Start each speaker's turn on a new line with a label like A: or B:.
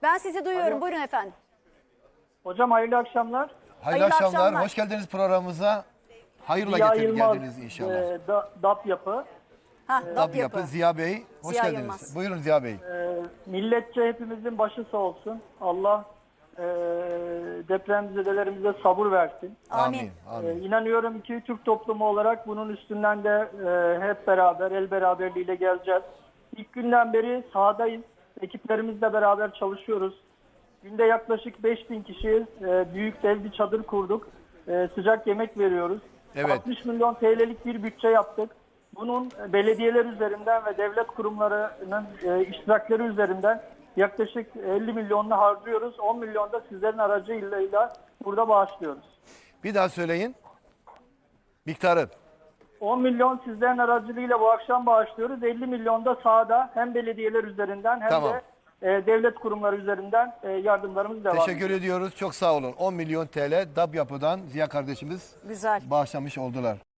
A: Ben sizi duyuyorum.
B: Alo.
A: Buyurun efendim.
B: Hocam hayırlı akşamlar.
C: Hayırlı akşamlar.
A: akşamlar.
C: Hoş geldiniz programımıza. Hayırla
B: Ziya Yılmaz,
C: geldiniz inşallah.
B: DAP yapı.
A: DAP
C: Yapı Ziya Bey. Hoş
A: Ziya
C: geldiniz.
A: Yılmaz.
C: Buyurun Ziya Bey.
B: Milletçe hepimizin başı sağ olsun. Allah depremzedelerimize sabır versin.
A: Amin.
C: Amin.
B: İnanıyorum ki Türk toplumu olarak bunun üstünden de hep beraber, el beraberliğiyle geleceğiz. İlk günden beri sahadayız. Ekiplerimizle beraber çalışıyoruz. Günde yaklaşık 5000 kişi büyük dev bir çadır kurduk. Sıcak yemek veriyoruz.
C: Evet.
B: 60 milyon TL'lik bir bütçe yaptık. Bunun belediyeler üzerinden ve devlet kurumlarının iştirakleri üzerinden yaklaşık 50 milyonunu harcıyoruz. 10 milyon da sizlerin aracılığıyla burada bağışlıyoruz.
C: Bir daha söyleyin. Miktarı.
B: 10 milyon sizlerin aracılığıyla bu akşam bağışlıyoruz. 50 milyon da sahada hem belediyeler üzerinden hem
C: Tamam.
B: de devlet kurumları üzerinden yardımlarımız devam ediyor.
C: Teşekkür ediyoruz. Çok sağ olun. 10 milyon TL DAP Yapı'dan Ziya kardeşimiz
A: Güzel.
C: bağışlamış oldular.